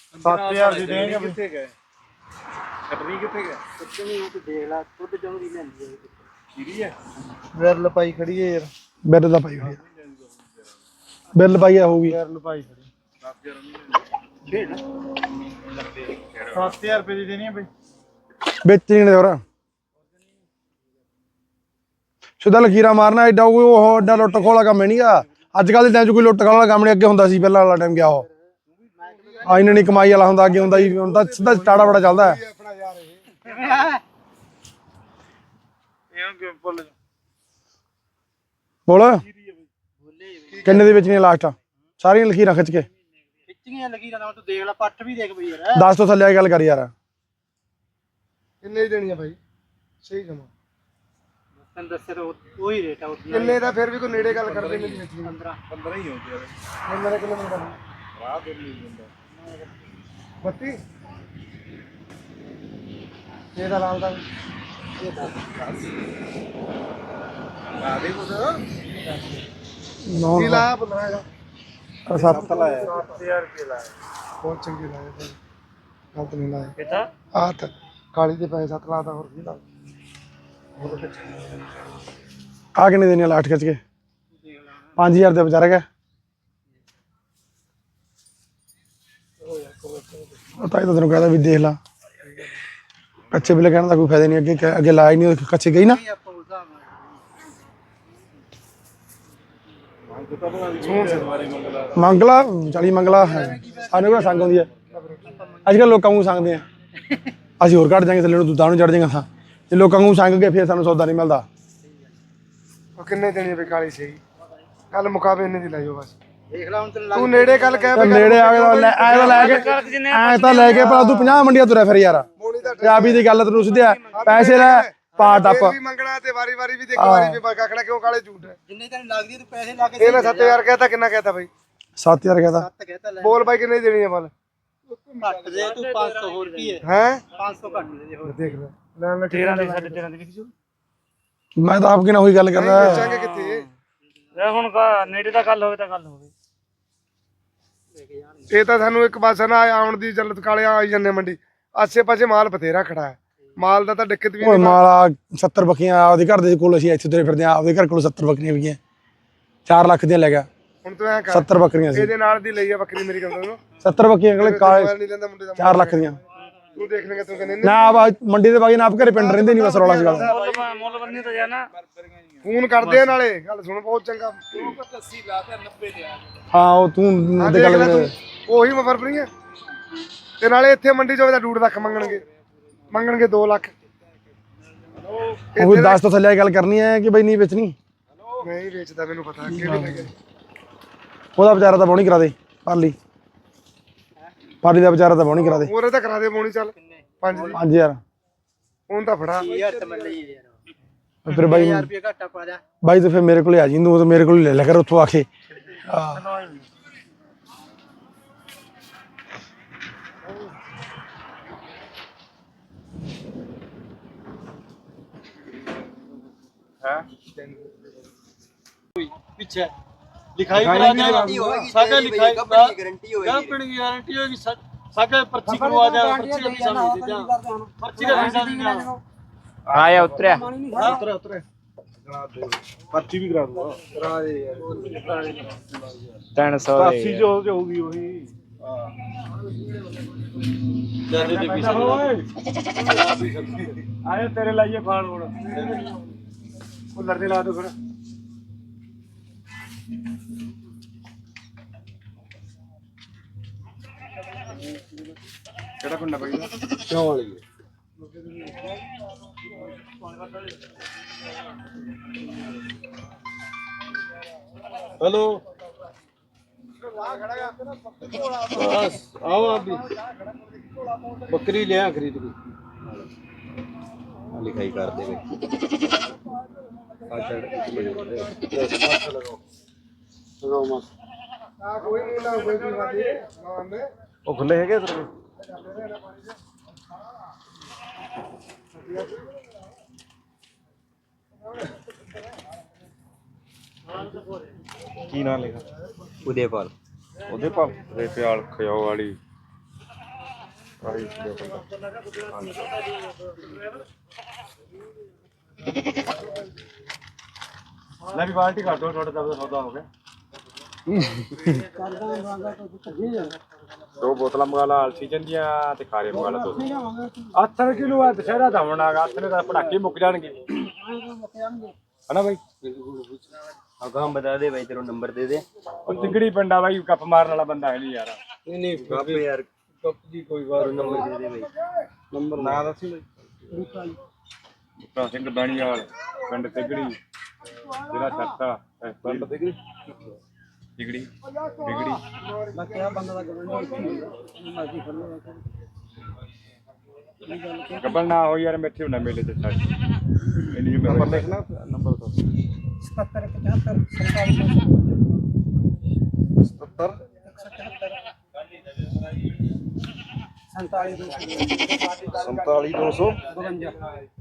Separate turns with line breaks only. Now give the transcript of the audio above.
7000 ਦੀ ਦੇਂਗੇ
ਕਿੱਥੇ ਗਏ ਕੱਟਣੀ ਕਿੱਥੇ ਗਏ
ਕੱਟਣੀ ਉਹ ਤੇ ਦੇਖ ਲੈ ਦੁੱਧ ਚੰਗੀ ਲੈਂਦੀ ਹੈ
ਖੀਰੀ ਹੈ
ਬਿੱਲ ਪਾਈ ਖੜੀ ਹੈ ਯਾਰ
ਬਿੱਲ ਦਾ ਪਾਈ ਹੋਈ ਬਿੱਲ ਪਾਈ ਹੋਊਗੀ
ਬਿੱਲ ਪਾਈ ਖੜੀ
10000
7000 ਰੁਪਏ ਦੀ ਦੇਣੀ ਹੈ ਬਈ
ਵੇਚਣੀ ਨੇ ਹੋਰ ਸਿੱਧਾ ਲਕੀਰਾ ਮਾਰਨਾ ਐਡਾ ਕੋਈ ਉਹ ਐਡਾ ਲੁੱਟ ਖੋਹ ਵਾਲਾ ਕੰਮ ਨਹੀਂਗਾ ਅੱਜ ਕੱਲ੍ਹ ਦੇ ਟਾਈਮ 'ਚ ਕੋਈ ਲੁੱਟ ਖੋਹ ਵਾਲਾ ਕੰਮ ਨਹੀਂ ਅੱਗੇ ਹੁੰਦਾ ਸੀ ਪਹਿਲਾਂ ਵਾਲਾ ਟਾਈਮ ਗਿਆ ਉਹ ਆ ਇਹਨਾਂ ਨਹੀਂ ਕਮਾਈ ਵਾਲਾ ਹੁੰਦਾ ਅੱਗੇ ਹੁੰਦਾ ਸੀ ਹੁਣ ਤਾਂ ਸਿੱਧਾ ਟਾੜਾ ਬੜਾ ਚੱਲਦਾ ਹੈ ਬੋਲ ਕਿੰਨੇ ਦੇ ਵੇਚਣੀਆਂ ਲਾਸਟ ਸਾਰੀਆਂ ਲਕੀਰਾਂ ਖਿੱਚ ਕੇ
ਖਿੱਚੀਆਂ ਲੱਗੀ ਨਾ ਤੂੰ ਦੇਖ ਲੈ ਪੱਟ ਵੀ ਦੇਖ ਬਈ ਯਾਰ
10 ਤੋਂ ਥੱਲੇ ਗੱਲ ਕਰ ਯਾਰ
ਕਿੰਨੇ ਦੀ ਦੇਣੀ ਹੈ ਭਾਈ ਸਹੀ ਜਮਾ
ਤੈਨੂੰ ਦੱਸਿਆ ਤਾਂ ਉਹੀ ਰੇਟ ਆ
ਕਿੰਨੇ ਦਾ ਫਿਰ ਵੀ ਕੋਈ ਨੇੜੇ ਗੱਲ ਕਰਦੇ ਨਹੀਂ ਵੇਚਣੀ
15
15 ਹੀ ਹੋ ਗਿਆ
ਮੇਰੇ ਕਿਲੋਮੀਟਰ
ਰਾਹ ਦੇ ਨਹੀਂ ਹੁੰਦਾ
32 ਇਹਦਾ ਲਾਲ ਦਾ
ਆ ਦੇ ਕੁਝ
ਕੀ ਲਾਇਆ 15 ਦਾ
7
ਲਾਇਆ
7000 ਰੁਪਏ ਲਾਇਆ ਬਹੁਤ ਚੰਗੇ ਲਾਏ ਭਾਈ ਗਲਤ ਨਹੀਂ ਲਾਇਆ
ਕਿਤਾ
ਆਹ ਕਾਲੀ ਦੇ ਪੈਸੇ 7 ਲਾਤਾ ਹੋਰ ਕੀ ਲਾ
ਆ ਕਿੰਨੇ ਦੇਣੇ ਲਾਸਟ ਖਿੱਚ ਕੇ 5000 ਦੇ ਵਿਚਾਰ ਗਿਆ ਤਾਂ ਤੈਨੂੰ ਕਹਦਾ ਵੀ ਦੇਖ ਲਾ ਕੱਚੇ ਬਿੱਲੇ ਕਹਿਣ ਦਾ ਕੋਈ ਫਾਇਦਾ ਨਹੀਂ ਅੱਗੇ ਲਾਇਆ ਨਹੀਂ ਕੱਚੇ ਗਈ ਨਾ
ਆਪਾਂ ਉਸ ਹਿਸਾਬ ਨਾਲ
ਮੰਗਲਾ 40 ਮੰਗਲਾ ਹੈ ਸਾਨੂੰ ਕਿਹੜਾ ਸੰਗ ਆਉਂਦੀ ਹੈ ਅੱਜ ਕੱਲ੍ਹ ਲੋਕਾਂ ਨੂੰ ਸੰਗਦੇ ਆ ਅਸੀਂ ਹੋਰ ਘੱਟ ਜਾਵਾਂਗੇ ਥੱਲੇ ਨੂੰ ਦੁੱਧਾਂ ਨੂੰ ਚੜ ਜਾਏਗਾ ਥਾਂ ਜੇ ਲੋਕਾਂ ਨੂੰ ਸੰਗ ਕੇ ਫਿਰ ਸਾਨੂੰ ਸੌਦਾ ਨਹੀਂ ਮਿਲਦਾ
ਉਹ ਕਿੰਨੇ ਦੇਣੀ ਹੈ ਕਾਲੀ ਸਹੀ ਕੱਲ ਮੁਕਾਬਲੇ ਇੰਨੇ ਦੀ ਲੈ ਜਾਓ ਬਸ
ਦੇਖ ਲੈ ਹੁਣ ਤੈਨੂੰ
ਤੂੰ ਨੇੜੇ ਗੱਲ ਕਹਿ
ਤੇ ਨੇੜੇ ਆ ਕੇ ਐ ਤਾਂ ਲੈ ਕੇ ਭਲਾ ਤੂੰ 50 ਮੰਡੀਆਂ ਤੁਰਿਆ ਫਿਰ ਯਾਰ ਪੰਜਾਬੀ ਦੀ ਗੱਲ ਤੈਨੂੰ ਸਿੱਧਿਆ ਪੈਸੇ ਲੈ ਪਾ ਟੱਪ
ਵੀ ਮੰਗਣਾ ਤੇ ਵਾਰੀ ਵਾਰੀ ਵੀ ਦੇਖ ਵਾਰੀ ਵੀ ਕਾਕੜਾ ਕਿਉਂ ਕਾਲੇ ਝੂਠ ਹੈ
ਜਿੰਨੇ ਤੈਨੂੰ ਲੱਗਦੀ ਤੂੰ ਪੈਸੇ ਲਾ ਕੇ
ਇਹ ਮੈਂ 7000 ਕਹਿਤਾ ਕਿੰਨਾ ਕਹਿਤਾ ਬਾਈ
7000 ਕਹਦਾ
7 ਕਹਿਤਾ ਲੈ
ਬੋਲ ਬਾਈ ਕਿੰਨੇ ਦੀ ਦੇਣੀ ਹੈ ਬਲ
ਘੱਟ ਦੇ ਤੂੰ 500 ਹੋਰ ਕੀ ਹੈ
ਹੈ
500 ਘੱਟ ਦੇ ਹੋਰ
ਦੇਖ ਲੈ ਲੈਣ ਲੈ
13 ਦੇ 13.5 ਦੀ ਵਿਕਜੂ
ਮੈਂ ਤਾਂ ਆਪ ਕਿਨਾਂ ਹੋਈ ਗੱਲ ਕਰਦਾ
ਵੇਚਾਂਗੇ ਕਿੱਥੇ
ਹੁਣ ਨੇੜੇ ਦਾ ਗੱਲ ਹੋਵੇ ਤਾਂ ਗੱਲ ਹੋਵੇ
ਇਹ ਤਾਂ ਸਾਨੂੰ ਇੱਕ ਪਾਸੇ ਨਾ ਆਉਣ ਦੀ ਜਲਤ ਕਾਲੇ ਆਈ ਜਾਂਦੇ ਮੰਡੀ ਆਸੇ ਪਾਸੇ ਮਾਲ ਬਥੇਰਾ ਖੜਾ ਹੈ ਮਾਲ ਦਾ ਤਾਂ ਦਿੱਕਤ ਵੀ
ਓਏ ਮਾਲਾ 70 ਬੱਕੀਆਂ ਆਪਦੇ ਘਰ ਦੇ ਕੋਲ ਅਸੀਂ ਇੱਥੇ ਤੁਰੇ ਫਿਰਦੇ ਆ ਆਪਦੇ ਘਰ ਕੋਲ 70 ਬੱਕਰੀਆਂ ਵੀ 4 ਲੱਖ ਦੀਆਂ ਲੈ ਗਿਆ
ਹੁਣ ਤੂੰ ਐ ਕਰ
70 ਬੱਕਰੀਆਂ ਸੀ
ਇਹਦੇ ਨਾਲ ਦੀ ਲਈ ਆ ਬੱਕਰੀ ਮੇਰੀ ਗੱਲ ਨੂੰ
70 ਬੱਕੀਆਂ ਅਗਲੇ ਕਾਲੇ
ਨਹੀਂ ਲੈਂਦਾ ਮੁੰਡੇ ਦਾ
4 ਲੱਖ ਦੀਆਂ
ਤੂੰ ਦੇਖ ਲੇਗਾ ਤੂੰ ਕਹਿੰਦੇ
ਨਾ ਆਪ ਮੰਡੀ ਦੇ ਬਾਗੀ ਨਾ ਆਪ ਘਰੇ ਪਿੰਡ ਰਹਿੰਦੇ ਨਹੀਂ ਬਸ ਰੌਲਾ ਸੀ ਗੱਲ
ਮੁੱਲ ਬੰਨੀ ਤਾਂ ਜਾਣਾ
ਫੋਨ ਕਰਦੇ ਆ ਨਾਲੇ ਗੱਲ ਸੁਣ ਬਹੁਤ ਚੰਗਾ
80 ਲਾਤਾ 90 ਦੇ ਆ
ਹਾਂ ਉਹ ਤੂੰ ਤੇ ਗੱਲ
ਉਹੀ ਮਫਰਪਰੀ ਹੈ ਤੇ ਨਾਲੇ ਇੱਥੇ ਮੰਡੀ ਚ ਹੋਵੇ ਤਾਂ 2.5 ਲੱਖ ਮੰਗਣਗੇ 2 ਲੱਖ
ਉਹ 10 ਤੋਂ ਥੱਲੇ ਗੱਲ ਕਰਨੀ ਹੈ ਕਿ ਬਈ ਨਹੀਂ ਵੇਚਣੀ
ਨਹੀਂ ਵੇਚਦਾ ਮੈਨੂੰ ਪਤਾ ਕਿਹੜੇ ਲੱਗੇ
ਉਹਦਾ ਵਿਚਾਰਾ ਤਾਂ ਬੋਣੀ ਕਰਾ ਦੇ ਪਾਲੀ ਦਾ ਵਿਚਾਰਾ ਤਾਂ ਬੋਣੀ ਕਰਾ ਦੇ
ਹੋਰ ਤਾਂ ਕਰਾ ਦੇ ਮੋਣੀ ਚੱਲ 5 ਦੀ
5000
ਹੁਣ ਤਾਂ ਫੜਾ
ਯਾਰ ਤੇ ਮੈਂ ਲਈ ਯਾਰ
ਫਿਰ ਬਾਈ
1000 ਰੁਪਏ ਘਾਟਾ ਪਾ ਜਾ
ਬਾਈ ਤੂੰ ਫਿਰ ਮੇਰੇ ਕੋਲੇ ਆ ਜੀ ਤੂੰ ਮੇਰੇ ਕੋਲ ਲੈ ਲੈ ਕਰ ਉੱਥੋਂ ਆ ਕੇ
ਪਿੱਛੇ ਲਿਖਾਈ ਕਰਾ ਦੇ ਸਾਡਾ ਲਿਖਾਈ ਗਾਰੰਟੀ ਹੋਏਗੀ ਕੰਪਨੀ ਦੀ ਗਾਰੰਟੀ ਹੋਏਗੀ ਸਾਡਾ ਪਰਚੀ ਕਰਵਾ ਦੇ ਪਰਚੀ ਦਾ ਪੈਸਾ ਨਹੀਂ ਦੇ ਪਰਚੀ ਦਾ ਪੈਸਾ ਨਹੀਂ
ਆਇਆ ਉਤਰਿਆ
ਉਤਰੇ ਪਰਚੀ ਵੀ ਕਰਾ ਦੂੰਗਾ ਕਰਾ ਦੇ ਯਾਰ
300
80 ਜੋ ਹੋਊਗੀ ਉਹੀ
ਜਿਆਦਾ ਦੇ ਪੈਸੇ
ਆਏ ਤੇਰੇ ਲਾਈਏ ਫਾਲ ਹੁਣ ਉਹ ਲੜਦੇ ਲਾ ਦੋ ਫਿਰ ਕਿਹੜਾ ਪਿੰਡ ਬਾਈ ਕਿਉਂ ਵਾਲੀ
हेलो
बस आओ आप भी बकरी ले आ खरीद के
ਲਿਖਾਈ ਕਰ ਦੇਵੇ
लगाओ मत
ਕੋਈ ਨਹੀਂ ਨਾ ਕੋਈ ਵੀ ਵਾਦੀ ਨਾ ਮੈਂ
ਉਹ ਖੁੱਲੇ ਹੈਗੇ ਤੇਰੇ ਕੀ ਨਾਂ ਲਿਖਾ
ਉਦੇਪਾਲ
ਉਹਦੇ ਭਾਲ ਦੇ ਪਿਆਲ ਖਿਓ ਵਾਲੀ ਆਹੀ ਦੇਖੋ
ਲੈ ਵੀ ਬਾਲਟੀ ਕਰ ਦੋ ਤੁਹਾਡਾ ਤਾਂ ਸੌਦਾ ਹੋ ਗਿਆ
ਦੋ ਬੋਤਲਾਂ ਮੰਗਾ ਲਾ ਆਕਸੀਜਨ ਦੀਆਂ ਤੇ ਖਾਰੇ ਮੰਗਾ ਲਾ ਦੋ 8 ਕਿਲੋ ਆ ਦੁਸ਼ਹਿਰਾ ਦਾ ਹੋਣਾ ਗਾ 8 ਨੇ ਤਾਂ ਪੜਾਕੇ ਮੁੱਕ ਜਾਣਗੇ ਹਨਾ ਬਾਈ
ਅਗਾਂ ਬਤਾ ਦੇ ਬਾਈ ਤੇਰਾ ਨੰਬਰ ਦੇ ਦੇ
ਉਹ ਤਿਗੜੀ ਪਿੰਡਾ ਬਾਈ ਕੱਪ ਮਾਰਨ ਵਾਲਾ ਬੰਦਾ ਹੈ ਨਹੀਂ ਯਾਰ
ਨਹੀਂ ਗੱਪ ਯਾਰ ਗੱਪ ਦੀ ਕੋਈ ਵਾਰ ਨੰਬਰ ਦੇ ਦੇ ਬਾਈ
ਨੰਬਰ ਨਾ ਦੱਸੀ ਬਾਈ ਬੂਟਾ ਸਿੰਘ ਬਾਣੀਵਾਲ ਪਿੰਡ ਤਿਗੜੀ ਜਿਹੜਾ ਛੱਤਾ ਪਿੰਡ ਤਿਗੜੀ ਤਿਗੜੀ
ਮੈਂ ਕਿਹਾ ਬੰਦਾ ਦਾ ਗਵਰਨਮੈਂਟ ਮਰਜ਼ੀ ਕਰ ਲਓ
ਗੱਬਲ ਨਾ ਹੋ ਯਾਰ ਮੈਥੇ ਨਾ ਮੇਲੇ ਤੇ ਛੱਡ ਇਹਨੀ ਨੰਬਰ ਲਿਖਣਾ ਨੰਬਰ ਦੱਸ
77 47 252